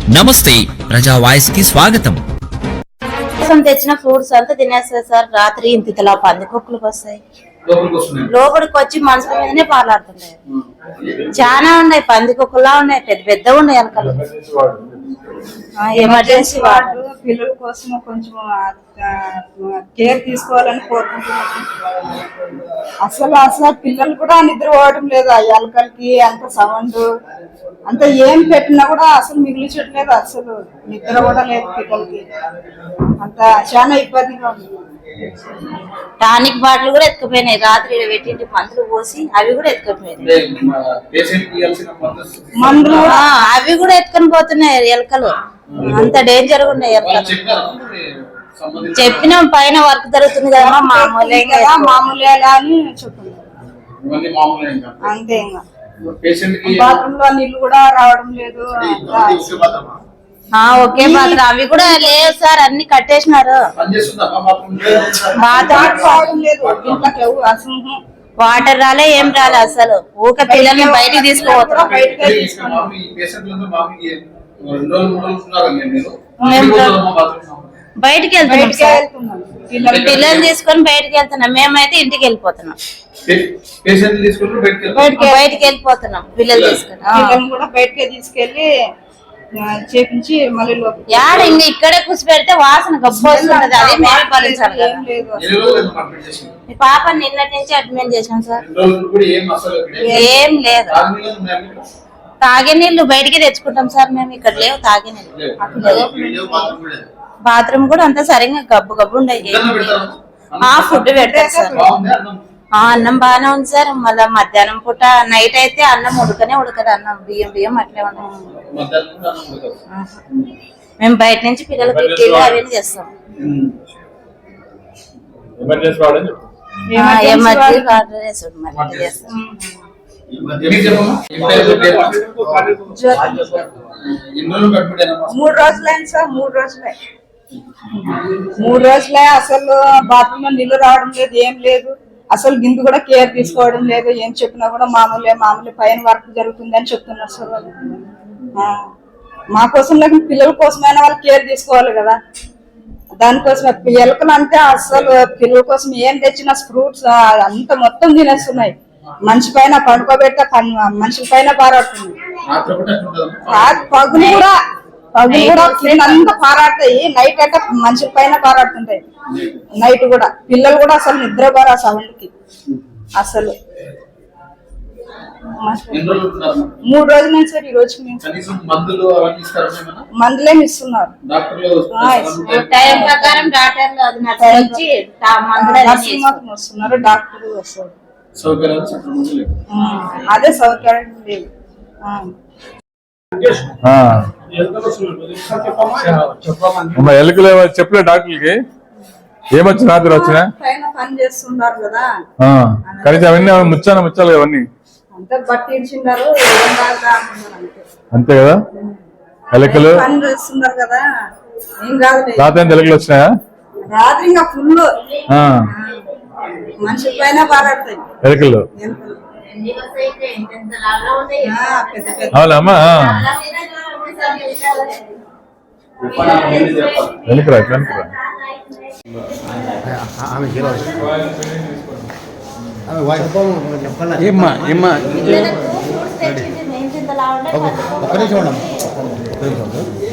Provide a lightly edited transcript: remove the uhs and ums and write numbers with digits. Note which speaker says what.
Speaker 1: నమస్తే ప్రజా వాయిస్ కి స్వాగతం.
Speaker 2: తెచ్చిన ఫ్రూట్స్ అంతా తినేస్తాయి సార్. రాత్రి ఇంతలా పందికొక్కులకు వస్తాయి, లోపలికి వచ్చి మనుషుల మీదనే పాలాడుతున్నాయి. చాలా ఉన్నాయి, పందికొక్కులా ఉన్నాయి, పెద్ద పెద్ద ఉన్నాయి ఎలకలు. ఎమర్జెన్సీ వార్డు
Speaker 3: పిల్లల కోసం కొంచెం కేర్ తీసుకోవాలని కోరుకుంటున్నాను. అసలు పిల్లలు కూడా నిద్ర పోవడం లేదు. ఆ ఎలకలకి అంత సౌండ్ అంత ఏం పెట్టినా కూడా అసలు మిగిలిచట్లేదు. అసలు నిద్ర కూడా లేదు పిల్లలకి. అంత చాలా ఇబ్బందిగా ఉంది.
Speaker 2: టానిక్ బాటిల్ కూడా ఎత్తుకుపోయినాయి. రాత్రి పెట్టింటి మందులు పోసి అవి కూడా ఎత్తుకుపోయినాయి. మందులు అవి కూడా ఎత్తుకొని పోతున్నాయి ఎలకలు. అంత డేంజర్ గా ఉన్నాయి ఎలకలు. చెప్పినాం పైన వర్క్ జరుగుతుంది కదా, మామూలే
Speaker 3: అని చెప్తున్నాం. అంతే ఇంకా బాత్రూమ్ లో నీళ్లు కూడా రావడం లేదు.
Speaker 2: ఓకే బాత్రూమ్ అవి కూడా లేవు సార్, అన్ని కట్టేసినారు. వాటర్ రాలే, ఏం రాలే. అసలు ఊక పిల్లల్ని బయటికి తీసుకోపోతున్నాం. బయటికి వెళ్తున్నాం సార్, పిల్లల్ని తీసుకొని బయటికి వెళ్తున్నాం. మేమైతే ఇంటికి వెళ్ళిపోతున్నాం, బయటికి వెళ్ళిపోతున్నాం. పిల్లలు తీసుకొని
Speaker 3: కూడా బయటకే తీసుకెళ్లి చేపించి మళ్ళీ
Speaker 2: యాడ ఇంకా ఇక్కడే కూర్చి పెడితే వాసన గబ్బు వస్తుంది. అది మేమే భరించాలి కదా. మీ పాప నిన్నటి నుంచి అడ్మిట్ చేశాం సార్. ఏం లేదు, తాగే నీళ్లు బయటికి తెచ్చుకుంటాం సార్ మేము. ఇక్కడ లేవు తాగే నీళ్ళు. బాత్రూమ్ కూడా అంతా సరిగ్గా గబ్బు గబ్బు ఉండేది. ఫుడ్ పెడతారు సార్. అన్నం బాగానే ఉంది సార్. మళ్ళా మధ్యాహ్నం పూట నైట్ అయితే అన్నం ఉడకదు. అన్నం బియ్యం అట్లే ఉన్నాం. మేము బయట నుంచి పిల్లలకి ఇడ్లీలు అవన్నీ చేస్తాం. ఎమర్జెన్సీ వాటర్ చేస్తాం.
Speaker 3: 3 రోజులైంది సార్. 3 రోజులే అసలు బాత్రూమ్ లో నీళ్లు రావడం లేదు, ఏం లేదు. అసలు గిందు కూడా కేర్ తీసుకోవడం లేదు. ఏం చెప్పినా కూడా మామూలే పైన వర్క్ జరుగుతుంది అని చెప్తున్నారు సార్ వాళ్ళు. మా కోసం లేకపోతే పిల్లల కోసమైనా వాళ్ళు కేర్ తీసుకోవాలి కదా. దానికోసం ఎలకలు అంటే అసలు పిల్లల కోసం ఏం తెచ్చినా ఫ్రూట్స్ అంత మొత్తం తినేస్తున్నాయి. మనిషి పైన పడుకోబెట్ట మనుషుల పైన పారాడుతుంది. పగులు కూడా అంతా పారాడతాయి. నైట్ అంటే మనుషుల పైన పారాడుతుంటాయి. నైట్ కూడా పిల్లలు కూడా అసలు నిద్రపోరు ఆ సౌండ్ కి. అసలు 3 రోజుల నుంచి సార్. ఈ రోజుకి మందులేమి ఇస్తున్నారు.
Speaker 2: టైం ప్రకారం డాక్టర్లు
Speaker 3: వస్తున్నారు, డాక్టర్లు వస్తారు. అదే సౌకర్యం లేదు.
Speaker 4: ఎలుకలు చెప్పలే డాక్టర్లకి ఏమొచ్చి రాత్రి వచ్చినా
Speaker 3: పైన పని చేస్తున్నారు కదా.
Speaker 4: కనీసం అవన్నీ ముచ్చాలి అవన్నీ అంతే కదా. ఎలుకలు
Speaker 3: పని చేస్తున్నారు కదా, ఏం కాదు.
Speaker 4: రాత్రి ఎలుకలు వచ్చినాయా?
Speaker 3: రాత్రి ఇంకా ఫుల్ మనిషి పైన పారాడతాయి ఎలుకలు.
Speaker 4: అవునమ్మా, వెనుకరా వెనుకరా.
Speaker 2: ఒక్క నిమిషం